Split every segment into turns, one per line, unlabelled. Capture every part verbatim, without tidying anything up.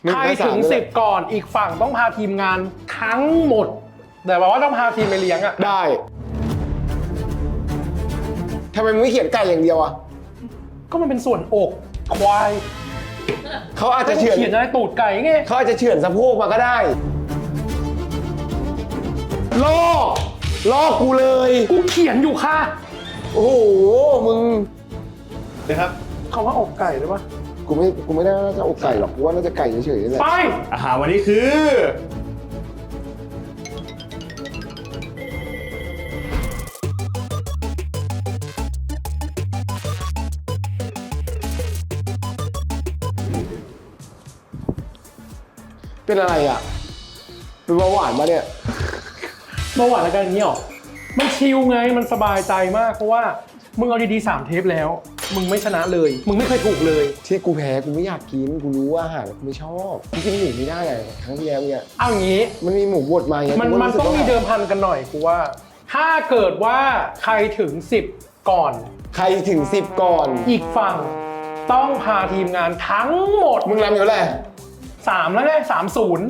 ใครถึงสิบก่อนอีกฝั่งต้องพาทีมงานทั้งหมดแต่ว่าต้องพาทีมไปเลี้ยงอ่ะ
ได้ทำไมมึงไม่เขียนไก่อย่างเดียวอ่ะ
ก็มันเป็นส่วนอกควาย
เขาอาจจะเฉือน
เขียนอะไรตูดไก่ไง
เขาอาจจะเฉือนสะโพกมาก็ได้ลอกลอกกูเลย
กูเขียนอยู่ค่ะ
โอ้โหมึง
นะครับ
คำว่าอกไก่หรือปะ
กูไม่กูไม่ได้น่าจะอกไก่หรอกกูว่าน่าจะไก่เฉยๆนี่แหละ
ไป
อาหารวันนี้คือ
เป็นอะไรอ่ะเป็นเบาหวานมาเนี่ย
เบาหวานแล้วกันอย่างนี้หรอมันชิลไงมันสบายใจมากเพราะว่ามึงเอาดีๆสามเทปแล้วมึงไม่ชนะเลยมึงไม่เคยถูกเลย
ที่กูแพ้กูไม่อยากกินกูรู้ว่าอาหารกูไม่ชอบกูกินหมูไม่ได้เลยครั้งที่แล้วเนี่ย
เอางี้
มันมีหมูบดมาอย่าง
มันมันต้องมีเดิมพันกันหน่อยกูว่าถ้าเกิดว่าใครถึงสิบก่อน
ใครถึงสิบก่อน
อีกฝั่งต้องพาทีมงานทั้งหมด
มึงนำอยู่แล้วแหละ
สามแล้วไงสามศูนย์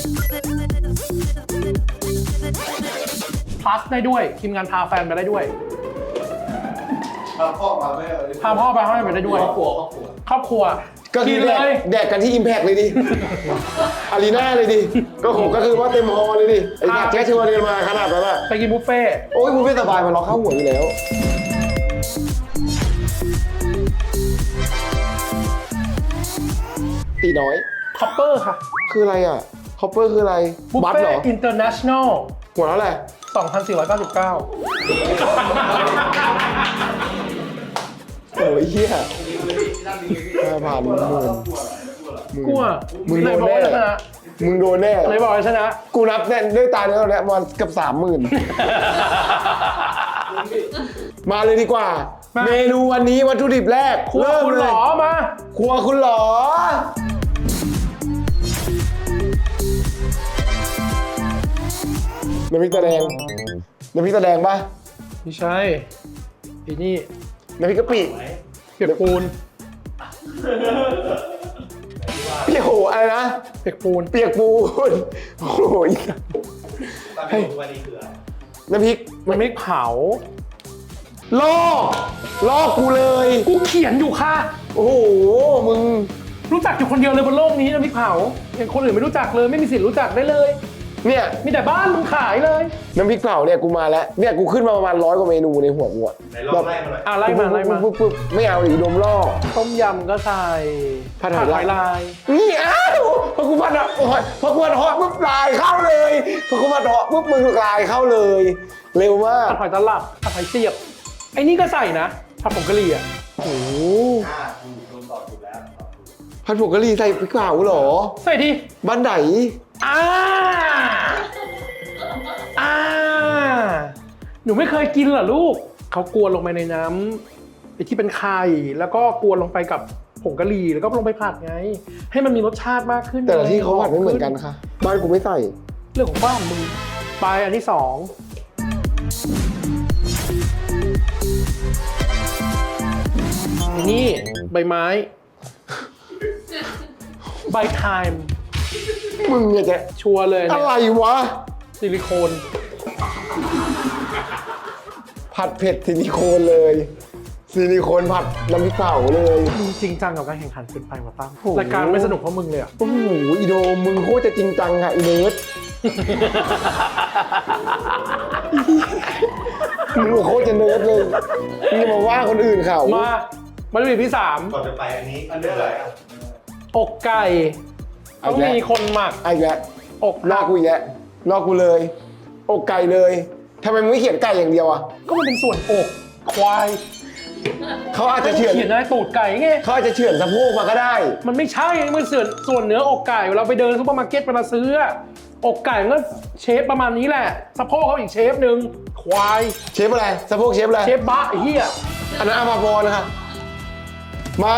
plus ได้ด้วยทีมงานพาแฟนไปได้ด้วย
พาพ่อมาไม่เอา
พาพ่อไปให้ไปได้ด้วย
ครอบครัวครอบครัว
ครอบครัว
ก็คือแดกแดกกันที่ Impact เลยดิ อารีนาเลยดิก็ผมก็คือว่าเต็มฮอลเลยดิไอ้ขาดแจ๊ชวนกันมาขนาดนั้นอะ
ไปกินบุฟเฟ่
โอ้ยบุฟเฟ่สบายมันล็อกเข้าหัวอยู่แล้วตีน้อย
คอปเปอร์ค่ะ
คืออะไรอ่ะคอปเปอร์คืออะไร
บุฟเฟ่อินเตอร์เนชั่นแนล
หัวแล้วแหละ
สองพันสี่ร้อยเก้าสิบเก้า
โอ้ยเหี้ยห้าพันหมื่น
กลัว
มึงโดนแน่มึงโดนแน่
ไหนบอกให้ชนะ
กูนับแน่ด้วยตาเนื้อเนี่ยมันเกือบสามหมื่นมาเลยดีกว่าเมนูวันนี้วัตถุดิบแรก
ครัวคุณหรอมา
ครัวคุณหรอน้ำพริกตาแดงน้ำพริกตาแดงปะ
ไม่ใช่ไอ้นี่
น้ำพริกกะปิ
เปียกปูน
เปียกโหอะไรนะ
เปียกปูน
เปียกปูนโอ้ย
ให้วันนี้คืออะไร
น้ำพริก
น้ำพริกเผา
ลอกลอกกูเลย
กูเขียนอยู่ค่ะ
โอ้โหมึง
รู้จักอยู่คนเดียวเลยบนโลกนี้น้ำพริกเผาอย่างคนอื่นไม่รู้จักเลยไม่มีสิทธิ์รู้จักได้เลย
เนี่ย
มีแต่บ้านมึงขายเลย
น้ำพริกเผาเนี่ยกูมาแล้วเนี่ยกูขึ้นมาประมาณร้อยกว่าเมนูในหัวกูอ่ะ
แบบไล่มาเลย
อ่ะไล่มาไล่มา
ปุ๊บปุ๊บไม่เอาอีกดมลอก
ต้มยำก็ใส่
ผัดหอย
ลาย
นี่อ้าวพอกูผัดอ่ะพอกูผัดหอยปุ๊บลายเข้าเลยพอกูผัดหอยปุ๊บมึงลายเข้าเลยเร็วมาก
ผัดหอยตลับผัดหอยเสียบไอ้นี่ก็ใส่นะผัดผงกะหรี่อ่ะ
โอ้โห
โดนตอบถูกแล้ว
ผัดผงกะหรี่ใส่พริกเผาเหรอ
ใส่ดิ
บ้านไหน
อ่าอ่าหนูไม่เคยกินเหรอลูกเขากวนลงไปในน้ำไอ้ที่เป็นไข่แล้วก็กวนลงไปกับผงกะหรี่แล้วก็ลงไปผัดไงให้มันมีรสชาติมากขึ้น
แต่ละที่เขาผัดไม่เหมือนกันค่ะบ้านกูไม่ใส่
เรื่องของบ้านมึงไปอันที่สองนี่ใบไม้ใบไทม์
มึงเนี่ยจะ
ชัวร์เลย
อะไรวะ
ซิลิโคน
ผัดเผ็ดซิลิโคนเลยซิลิโคนผัดน้ำพริกเผาเลย
มึงจริงจังกับการแข่งขันเกินไปว่ะตั้มรายการไม่สนุกเพราะมึงเลยอ่ะ
โอ้โหอีโดมึงโคตรจะจริงจังอะอีเนิร์ดมึงโคตรจะเนิร์ดเลยมึงมาว่าคนอื่นเขา
มามาดูที่สาม
ก่อนจะไปอันนี้อันเรื่องอะไร
อกไก่ต้องมีคนหมัก
ไอ้แก
อก
ลอกกูอีกแล้วลอกกูเลยอกไก่เลยทำไมมึงไม่เขียนไก่อย่างเดียวอ่ะ
ก็มันเป็นส่วนอกควาย
เขาอาจจะเฉือน
เขียนอะไรตูดไก่ไง
เขาอาจจะเฉือนสะโพกมาก็ได้
มันไม่ใช่มันส่วนส่วนเนื้ออกไก่เราไปเดินซุปเปอร์มาร์เก็ตไปมาซื้ออกไก่มันก็เชฟประมาณนี้แหละสะโพกเขาอีกเชฟหนึ่งควาย
เชฟอะไรสะโพกเชฟอะไร
เชฟบะไอ้เหี้ย
อันนั้นอาภาพรนะคะมา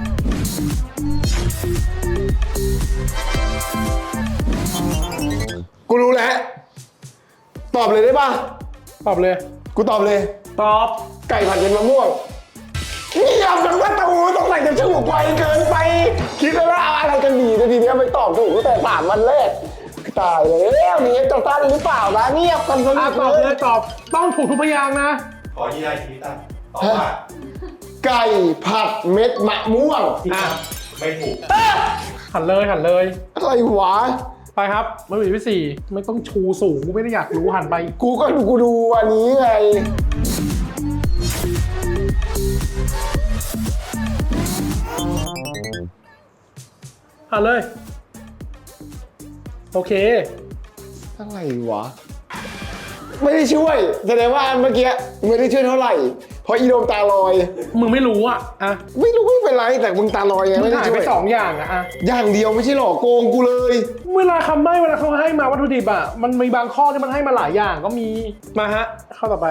กูรู้แล้วตอบเลยได้ป่ะ
ตอบเลย
กูตอบเลย
ตอบ
ไก่ผัดเป็นมะม่วงเงียบจังประตูต้องใส่จะถูกไวเกินไป คิดแล้วว่าเอาอะไรกันดีแต่ทีเนี้ยไม่ตอบถูกตั้งแต่สามวันแรกตายแล้วนี่จะสั้นหรือเปล่านะเงียบกันสนิ
อ่ะ
ท
ตอบ
เล
เลย ยตอบต้องถูกทุกพยางค์นะ
ขอยืนยันอีกทีตั้งตอบว่า
ไก่ผัดเม็ดมะม่วง
อ่ะ
ไม่ถูก
หันเลยหันเลย
อะไรวะ
ไปครับวัตถุดิบที่สี่ไม่ต้องชูสูงกูไม่ได้อยากรู้หันไป
กูก็ดูกูดูอันนี้ไง
หันเลย โอเค
อะไรวะ ไม่ได้ช่วยแสดงว่าเมื่อกี้ไม่ได้ช่วยเท่าไหร่เพราะอีโดมตาลอย
มึงไม่รู้อ่ะอ่ะ
ไม่รู้ไม่เป็นไรแต่มึงตาลอยไง
มึ
ไม่
ง
ได้
หาย
ช่
ไป
วย
สองอย่างอะอ่ะ
อย่างเดียวไม่ใช่หรอโกงกูเลย
เวลาคำใบ้เวลาเขาให้มาวัตถุดิบอ่ะมันมีบางข้อที่มันให้มาหลายอย่างก็มีมาฮะข้อต่อไป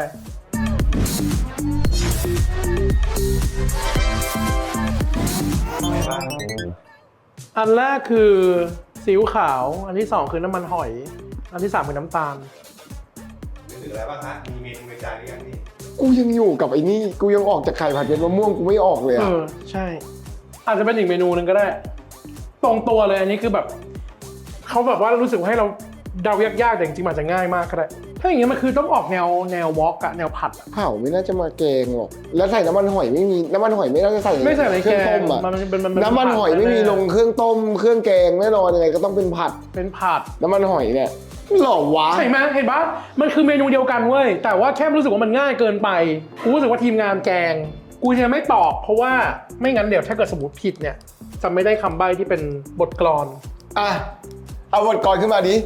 อะไรบ้าง
อันแรกคือซีอิ๊วขาว อันที่สองคือน้ำมันหอย อันที่สามคือน้ำตาล
นึกถึงอะไรบ้างฮะมีเมนูในใจหรือยังนี่
กูยังอยู่กับไอ้นี่กูยังออกจากไข่ผัดเม็ดมะม่วงกูไม่ออกเลย
เอ
อะ
อใช่ อาจจะเป็นอีกเมนูหนึ่งก็ได้ ตรงตัวเลยอันนี้คือแบบเขาแบบว่ารู้สึกว่าให้เราเดายากๆแต่จริงๆมันอาจจะง่ายมากก็ได้ ถ้าอย่างเงี้ยมันคือต้องออกแนวแนววอล์กอะแนวผัดอะ
เผาไม่น่าจะมาแกงหรอกแล้วใส่น้ำมันหอยไม่มีน้ำมันหอยไม่น่าจะใส่
ไม่ใส่ใน
เครื่
แก
องต้
ง
มอะ
มันเป็นมันเป็
น้ำมันหอยไม่มีลงเครื่องต้มเครื่องแกงแน่นอนยังไงก็ต้องเป็นผัด
เป็นผัด
น้ำมันหอยเนี่ยหล่อวะ
เห็นไหมเห็นปะมันคือเมนูเดียวกันเว้ย แต่ว่าแค่รู้สึกว่ามันง่ายเกินไป กูรู้สึกว่าทีมงานแกง กูจะไม่ตอบเพราะว่าไม่งั้นเดี๋ยวถ้าเกิดสมมติผิดเนี่ยจะไม่ได้คำใบ้ที่เป็นบทกลอน
อ่ะเอาบทกลอนขึ้นมาดิ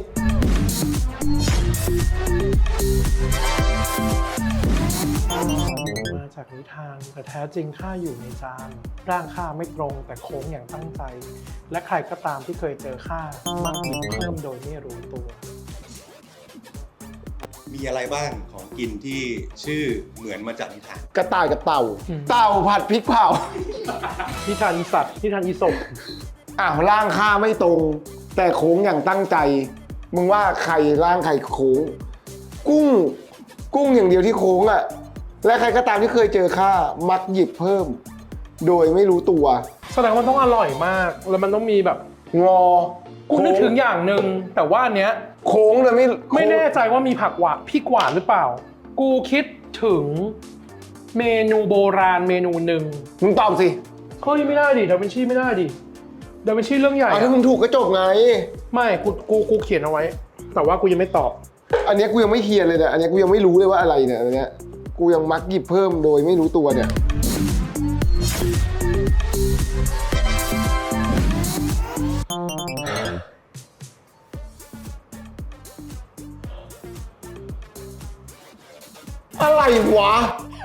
มาจากนิทานแต่แท้จริงข้าอยู่ในจานร่างข้าไม่ตรงแต่โค้งอย่างตั้งใจ และใครก็ตามที่เคยเจอข้ามักหยิบเพิ่มโดยไม่รู้ตัว
มีอะไรบ้างของกินที่ชื่อเหมือนมาจากนิทาน
กระต่ายกับเต่า
อืม
เต่าผัดพริกเผา
นิทานอีสัตว์นิทานอีศพ
อ้าวร่างข้าไม่ตรง แต่โค้งอย่างตั้งใจ มึงว่าใครร่างใครโค้ง กุ้ง กุ้งอย่างเดียวที่โค้งอ่ะ และใครก็ตามที่เคยเจอข้ามักหยิบเพิ่ม โดยไม่รู้ตัว
แสดงว่ามันต้องอร่อยมาก แล้วมันต้องมีแบบ
งอ
กูนึกถึงอย่างหนึ่งแต่ว่าอันเนี้ย
โค้งเลยไม่
ไม่แน่ใจว่ามีผักหวานพริกหวานหรือเปล่า กูคิดถึงเมนูโบราณเมนูหนึ่ง
มึงตอบสิ
เฮ้ยไม่ได้ดิดาวินชีไม่ได้ดิดาวินชีเรื่องใหญ่
เอา
อะ
ถ้ามึงถูกก็จบไง
ไม่กูกูกูเขียนเอาไว้ แต่ว่ากูยังไม่ตอบ
อันเนี้ยกูยังไม่เคลียร์เลยเนี่ยอันเนี้ยกูยังไม่รู้เลยว่าอะไรเนี่ยอันเนี้ยกูยังมักหยิบเพิ่มโดยไม่รู้ตัวเนี่ยอะไรวะ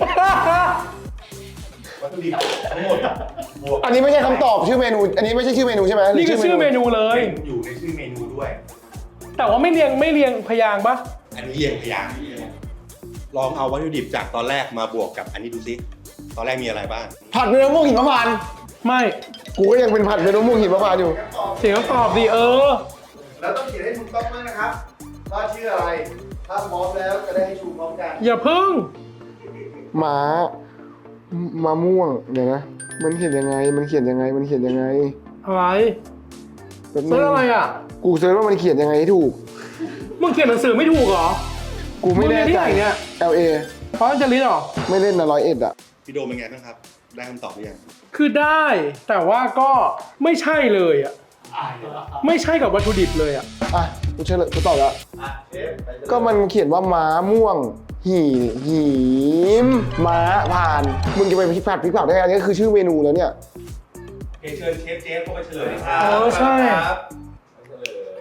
วัตถุดิบทั้งหมดบวก
อันนี้ไม่ใช่คำตอบชื่อเมนู อันนี้ไม่ใช่ชื่อเมนูใช่ไหมหรื
นี่คือชื่อเมนูเลย
อยู่ในชื่อเมนูด้วย
แต่ว่าไม่เรียงไม่เรียงพยางค์ปะ
อันนี้เรียงพยางค์ลองเอาวัตถุดิบจากตอนแรกมาบวกกับอันนี้ดูซิตอนแรกมีอะไรบ้าง
ผัดเมนูม่วงหิมพานต์
ไม่
กูก็ยังเป็นผัดเมนูม่วงหิมพานต์อยู่
เสียงตอบดิเออ
แล้วต้องเขียนให้ถูกต้องมากนะครับว่าชื่ออะไร ถ้าพร้อมแล้วจะได้ให้ชูพร้อมกัน
อย่าพึ่ง
ม้า มะม่วงเดี๋ยวนะ มันเขียนยังไง มันเขียนยังไง มันเขียนยังไง
อะไร
แป๊บนึ
เรื่อง งอะไรอ่ะ
กูเซิร์ชว่ามันเขียนยังไงให้ถูก
มึงเขียนหนังสือไม่ถูกเหรอ
กูไม่แน่
มึงเรียนที่
ใจ
ไหนเนี่ย
แอล เอ
เพราะจะลิสเหรอ
ไม่เล่นนะร้อยเอ็ดอ่ะ
พี่โดมเป็นไงบ้างครับ ได้คำตอบหรือยัง
คือได้แต่ว่าก็ไม่ใช่เลยอ่ะไม่ใช่กับวัตถุดิบเลยอ่ะ
อ่ะ กูเฉลยกูตอบแล้ว
อ่ะเชฟไปเลย
ก็มันเขียนว่าม้าม่วง หีหีมม้าผ่าน มึงจะไปพริกผัดพริกเผาได้ไงอันนี้คือชื่อเมนูแล้วเนี่ย
โอเคเชิญเชฟเจฟเข้ามาเฉลยครับ
เออใช่
ครับเฉลย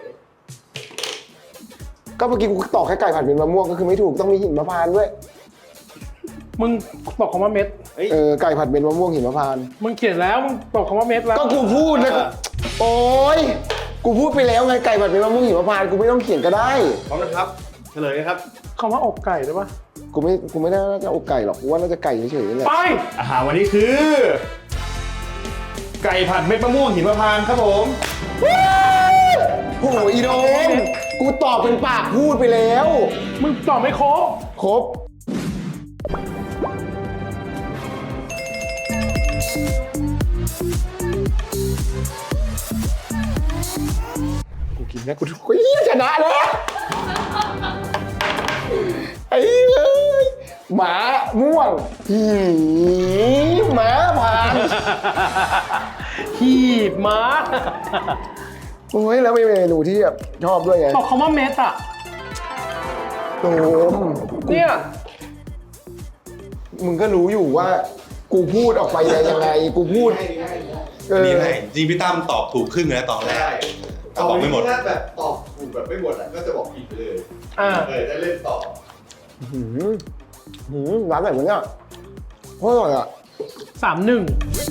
ก็เมื่อกี้กูตอบแค่ไก่ผัดเป็นมะม่วงก็คือไม่ถูกต้องมีหินมะพร้าวด้วย
มึงตอบคำว่าเม็ด
เฮ้ย
เออ ไก่ผัดเป็นมะม่วงหินมะพร้าว
มึงเขียนแล้วมึงตอบคำว่าเม็ดแล้ว
ก็กูพูดนะกูโอ๊ย กูพูดไปแล้วไงไก่ผัดเป็นมะม่วงหิมพานต์กูไม่ต้องเขียนก็ได้
พร้อมนะครับเฉลยนะครับ
คำว่าอกไก่ได้ปะ
กูไม่ กูไม่น่าจะอกไก่หรอก กูว่าน่าจะไก่เฉยๆนี่แหละ
ไป
อาหารวันนี้คือ ไก่ผัดเม็ดมะม่วงหิมพานต์ครับผม
โอ้โหอีโดมกูตอบเป็นปากพูดไปแล้ว
มึงตอบไม่ครบ
ครบกูกินนะกูกูเฮียชนะแล้วไอ้เอ้ยหมาม่วงหีหมาผ่าน
หีบม้า
โอ้ยแล้วมีเมนูที่แบบชอบด้วยไง
บอกคำว่าเม็ดอ่ะ
โดม
เนี่ย
มึงก็รู้อยู่ว่า กูพูดออกไปยังไง กูพูดเออ
นี่ให้จริงพี่ตั้มตอบถูกครึ่งเลยนะตอนแรกก็บอกไม่หมด
ถ้าแบบตอบถูกแบบไม่หมดอ่ะก็จะบอกผิดไปเลย
อ่า
เออได้เล่นต่อ
หืมหืมร้านแบบนี้อ่ะโคตรอร่อยอ่ะ
สามหนึ่ง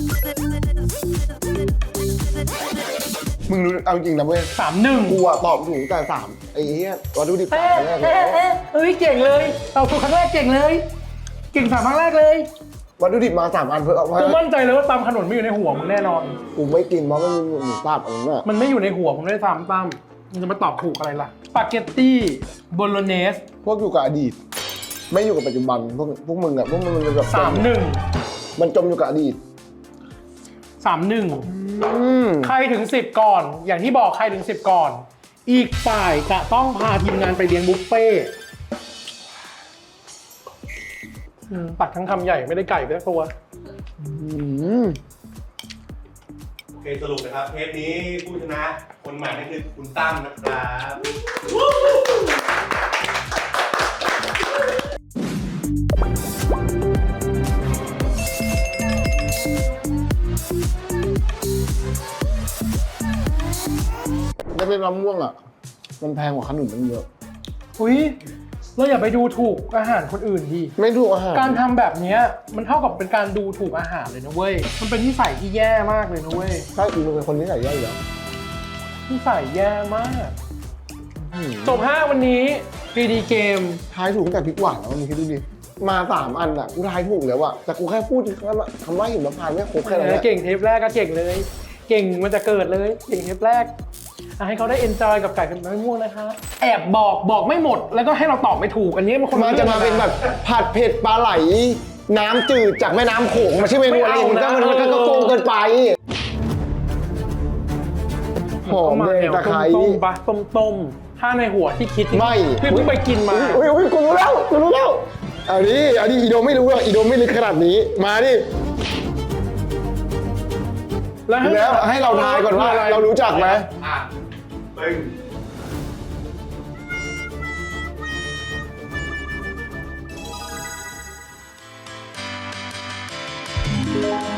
มึงรู้เอาจริงนะเว้ย
สามหนึ่ง
กูอะตอบถูกแต่สามไอ้เหี้ยวัตถุดิบสา
เอ๊ะ
มแรกเล
เอ๊ะ
ย
เอ๊ะเฮ้ยเก่งเลยเราถูกครั้งแรกเก่งเลย เก่งสามครั้งแรกเลย
วัตถุดิบมาสามอันเพื่อเอาไว้
กูมั่นใจเลยว่าตำขนุนไม่อยู่ในหัวมึงแน่นอน
กูไม่กินเพราะมันมีหมูสับอะไรเงี้ย
มันไม่อยู่ในหัวมึงด้วยซ้ำตั้มมันจะมาตอบถูกอะไรล่ะสปาเกตตี้โบโลเนส
พวกอยู่กับอดีต ไม่อยู่กับปัจจุบันพวกพวกมึงอะพวกมึงมันแบบ
สามหนึ่ง
มันจมอยู่กับอดีต
สามหนึ่ง
อืม
ใครถึงสิบก่อน อย่างที่บอกใครถึงสิบก่อน อีกฝ่ายจะต้องพาทีมงานไปเลี้ยงบุฟเฟ่ต์อืมตักทั้งคำใหญ่ไม่ได้ไก่ไปสักตัว
อืม
โอเคสรุปนะครับเทปนี้ผู้ชนะคนใหม่นั่นคือคุณตั้มนะครับ
ได้เป็นมะม่วงอะมันแพงกว่าขนมมันเยอะ
อุ้ยเราอย่าไปดูถูกอาหารคนอื่นดิ
ไม่ถูกอาหาร
การทำแบบเนี้ยมันเท่ากับเป็นการดูถูกอาหารเลยนะเว้ย มันเป็นนิสัยที่แย่มากเลยนะเว้ย
ใช่กูเป็นคนที่ใส่ย่อยอยู่แล้ว
นิสัยแย่มาก
อืม
จบห้าวันนี้ปีดีเกม
ทายถูกตั้งแต่พริกหวานแล้วมึงคิดดูดิ มาสามอันอะกูทายถูกแล้วอะแต่กูแค่พูดคำว่าคำว่าหิมพานต์ไม่ครบแค่นั้นแหละ
เก่งเทปแรกก็เก่งเลย เก่งมันจะเกิดเลย เก่งเทปแรกอ่ะให้เขาได้เอนจอยกับไก่เป็นมะม่วงนะคะ แอบบอกบอกไม่หมด แล้วก็ให้เราตอบไม่ถูก อันนี้มันคน
มันจะมาเป็นแบบผัดเผ็ดปลาไหล น้ำจืดจากแม่น้ำโขงมาชื่อเมนูอะไรอย่างงี้ก็มันก็ก็โกงเกินไปหอม
มา
แด
แน
ง
ว
ตะไคร้
ต้มๆปะต้มๆถ้าในหัวที่คิด
ไม่
พี่เพิ่งไปกินมา
อุ้ยอุ้ยกูรู้แล้วกูรู้แล้วเอาดิเอาดิอีโดไม่รู้หรอกอีโดไม่ลึกขนาดนี้มาดิ
แล้วให้
แล้วให้เราทายก่อนว่าเรารู้จักไหม
อ่ะปึ้ง
เ